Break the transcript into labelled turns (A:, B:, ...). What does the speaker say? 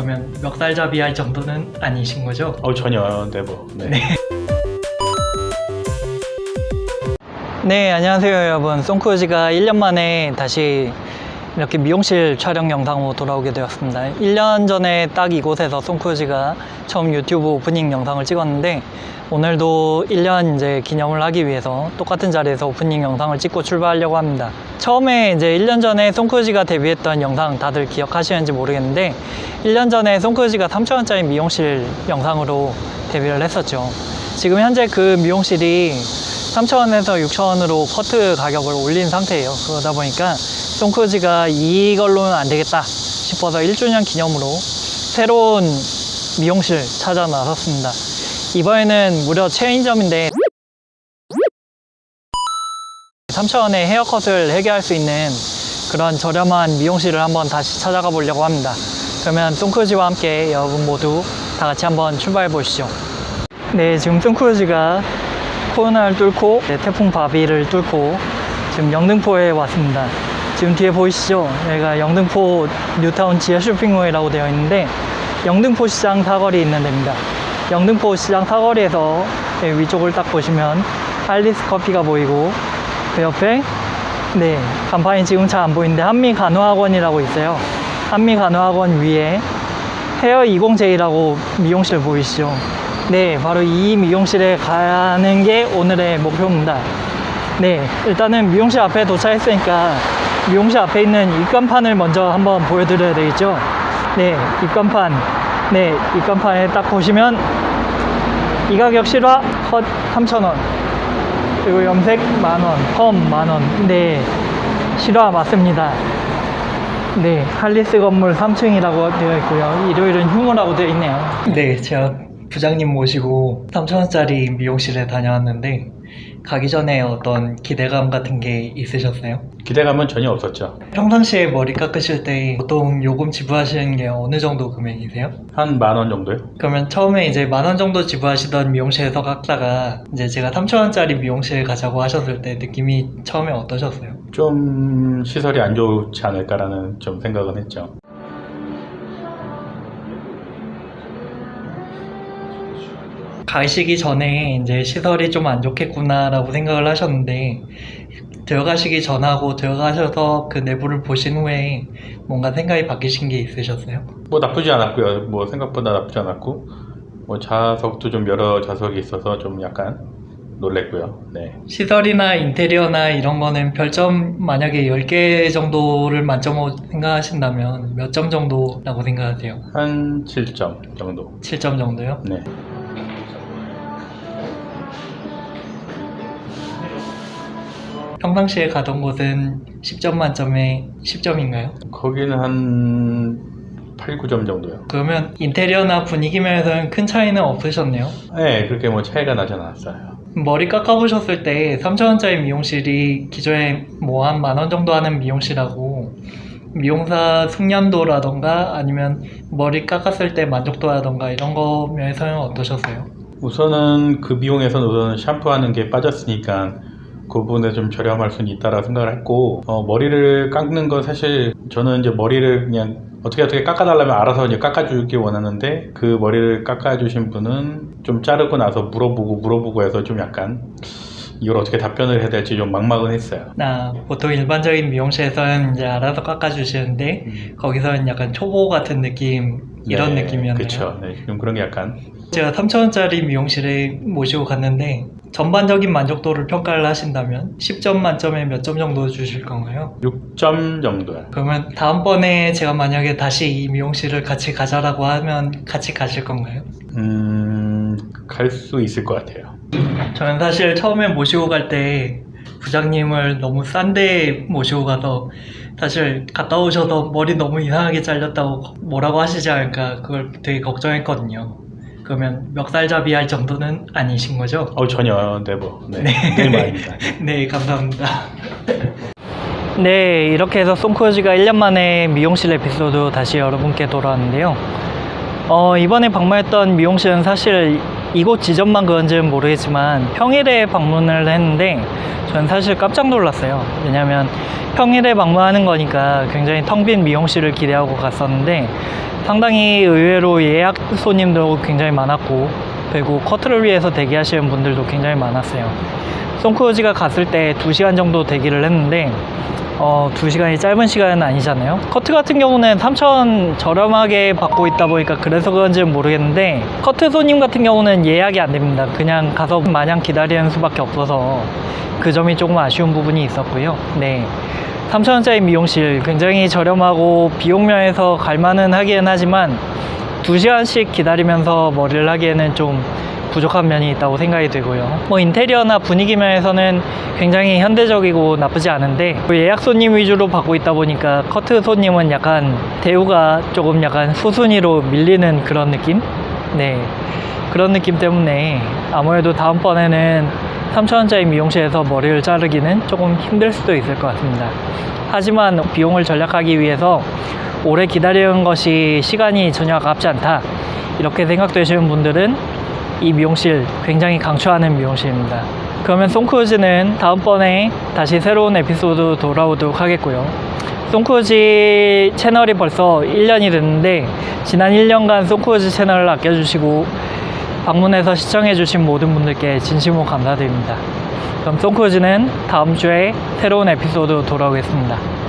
A: 그러면 멱살잡이 할 정도는 아니신 거죠?
B: 전혀 네버. 네.
A: 네, 안녕하세요 여러분. 송크루즈가 1년 만에 다시 이렇게 미용실 촬영 영상으로 돌아오게 되었습니다. 1년 전에 딱 이곳에서 송크루즈가 처음 유튜브 오프닝 영상을 찍었는데, 오늘도 1년 이제 기념을 하기 위해서 똑같은 자리에서 오프닝 영상을 찍고 출발하려고 합니다. 처음에 이제 1년 전에 송크루즈가 데뷔했던 영상 다들 기억하시는지 모르겠는데, 1년 전에 송크루즈가 3,000원짜리 미용실 영상으로 데뷔를 했었죠. 지금 현재 그 미용실이 3,000원에서 6,000원으로 커트 가격을 올린 상태예요. 그러다 보니까 송크루즈가 이걸로는 안 되겠다 싶어서 1주년 기념으로 새로운 미용실 찾아 나섰습니다. 이번에는 무려 체인점인데 3,000원에 헤어컷을 해결할 수 있는 그런 저렴한 미용실을 한번 다시 찾아가 보려고 합니다. 그러면 송크루즈와 함께 여러분 모두 다 같이 한번 출발해 보시죠. 네, 지금 송크루즈가 코로나를 뚫고 태풍 바비를 뚫고 지금 영등포에 왔습니다. 지금 뒤에 보이시죠? 여기가 영등포 뉴타운 지하 쇼핑몰이라고 되어 있는데, 영등포 시장 사거리 있는 데입니다. 영등포 시장 사거리에서 위쪽을 딱 보시면 할리스 커피가 보이고, 그 옆에 간판이 지금 잘 안 보이는데 한미간호학원이라고 있어요. 한미간호학원 위에 헤어 20J라고 미용실 보이시죠? 네, 바로 이 미용실에 가는 게 오늘의 목표입니다. 네, 일단은 미용실 앞에 도착했으니까 미용실 앞에 있는 입간판을 먼저 한번 보여드려야 되겠죠? 네, 입간판. 네, 입간판에 딱 보시면 이 가격 실화 컷 3,000원, 그리고 염색 만원, 펌 만원. 네, 실화 맞습니다. 네, 할리스 건물 3층이라고 되어 있고요. 일요일은 휴무라고 되어 있네요. 네, 제가 부장님 모시고 3,000원짜리 미용실에 다녀왔는데, 가기 전에 어떤 기대감 같은 게 있으셨어요?
B: 기대감은 전혀 없었죠.
A: 평상시에 머리 깎으실 때 보통 요금 지불하시는 게 어느 정도 금액이세요?
B: 한 10,000원 정도요?
A: 그러면 처음에 이제 10,000원 정도 지불하시던 미용실에서 깎다가 이제 제가 3,000원짜리 미용실 가자고 하셨을 때 느낌이 처음에 어떠셨어요?
B: 좀 시설이 안 좋지 않을까라는 좀 생각은 했죠.
A: 가시기 전에 이제 시설이 좀 안 좋겠구나라고 생각을 하셨는데, 들어가시기 전하고 들어가셔서 그 내부를 보신 후에 뭔가 생각이 바뀌신 게 있으셨어요?
B: 뭐 나쁘지 않았고요. 뭐 생각보다 나쁘지 않았고, 뭐 좌석도 좀 여러 좌석이 있어서 좀 약간 놀랬고요. 네.
A: 시설이나 인테리어나 이런 거는 별점 만약에 10개 정도를 만점으로 생각하신다면 몇 점 정도라고 생각하세요?
B: 한 7점 정도.
A: 7점 정도요?
B: 네.
A: 평상시에 가던 곳은 10점 만점에 10점인가요?
B: 거기는 한 8, 9점 정도요.
A: 그러면 인테리어나 분위기 면에서는 큰 차이는 없으셨네요?
B: 네, 그렇게 뭐 차이가 나지 않았어요.
A: 머리 깎아보셨을 때 3,000원짜리 미용실이 기존에 뭐 한 10,000원 정도 하는 미용실하고 미용사 숙련도라던가 아니면 머리 깎았을 때 만족도라던가 이런 거 면에서는 어떠셨어요?
B: 우선은 그 비용에서는 우선 샴푸하는 게 빠졌으니까 그 부분에 좀 저렴할 수는 있다라고 생각을 했고, 머리를 깎는 건 사실 저는 이제 머리를 그냥 어떻게 깎아달라면 알아서 이제 깎아주길 원하는데, 그 머리를 깎아주신 분은 좀 자르고 나서 물어보고 해서 좀 약간 이걸 어떻게 답변을 해야 될지 좀 막막은 했어요.
A: 보통 일반적인 미용실에서는 이제 알아서 깎아주시는데 거기서는 약간 초보 같은 느낌, 이런
B: 네,
A: 느낌이었네요.
B: 그렇죠. 네, 좀 그런 게 약간.
A: 제가 3,000원짜리 미용실에 모시고 갔는데 전반적인 만족도를 평가를 하신다면 10점 만점에 몇 점 정도 주실 건가요?
B: 6점 정도요.
A: 그러면 다음번에 제가 만약에 다시 이 미용실을 같이 가자라고 하면 같이 가실 건가요?
B: 갈 수 있을 것 같아요.
A: 저는 사실 처음에 모시고 갈 때 부장님을 너무 싼 데 모시고 가서 사실 갔다 오셔서 머리 너무 이상하게 잘렸다고 뭐라고 하시지 않을까, 그걸 되게 걱정했거든요. 그러면 멱살잡이 할 정도는 아니신 거죠?
B: 전혀 네버. 네, 늘 말입니다.
A: 네, 감사합니다. 네, 이렇게 해서 송크루즈가 1년 만에 미용실 에피소드 다시 여러분께 돌아왔는데요. 이번에 방문했던 미용실은 사실 이곳 지점만 그런지는 모르겠지만 평일에 방문을 했는데 저는 사실 깜짝 놀랐어요. 왜냐면 평일에 방문하는 거니까 굉장히 텅 빈 미용실을 기대하고 갔었는데 상당히 의외로 예약 손님도 굉장히 많았고, 그리고 커트를 위해서 대기하시는 분들도 굉장히 많았어요. 송크루즈가 갔을 때 2시간 정도 대기를 했는데 2시간이 짧은 시간은 아니잖아요. 커트 같은 경우는 3,000원 저렴하게 받고 있다 보니까 그래서 그런지는 모르겠는데, 커트 손님 같은 경우는 예약이 안 됩니다. 그냥 가서 마냥 기다리는 수밖에 없어서 그 점이 조금 아쉬운 부분이 있었고요. 네, 3,000원짜리 미용실 굉장히 저렴하고 비용면에서 갈만은 하기는 하지만 2시간씩 기다리면서 머리를 하기에는 좀 부족한 면이 있다고 생각이 들고요. 뭐 인테리어나 분위기 면에서는 굉장히 현대적이고 나쁘지 않은데, 예약 손님 위주로 받고 있다 보니까 커트 손님은 약간 대우가 조금 약간 후순위로 밀리는 그런 느낌? 네, 그런 느낌 때문에 아무래도 다음번에는 3,000원짜리 미용실에서 머리를 자르기는 조금 힘들 수도 있을 것 같습니다. 하지만 비용을 절약하기 위해서 오래 기다리는 것이 시간이 전혀 아깝지 않다, 이렇게 생각되시는 분들은 이 미용실 굉장히 강추하는 미용실입니다. 그러면 송크루즈는 다음번에 다시 새로운 에피소드 돌아오도록 하겠고요. 송크루즈 채널이 벌써 1년이 됐는데, 지난 1년간 송크루즈 채널을 아껴주시고 방문해서 시청해주신 모든 분들께 진심으로 감사드립니다. 그럼 송크루즈는 다음 주에 새로운 에피소드로 돌아오겠습니다.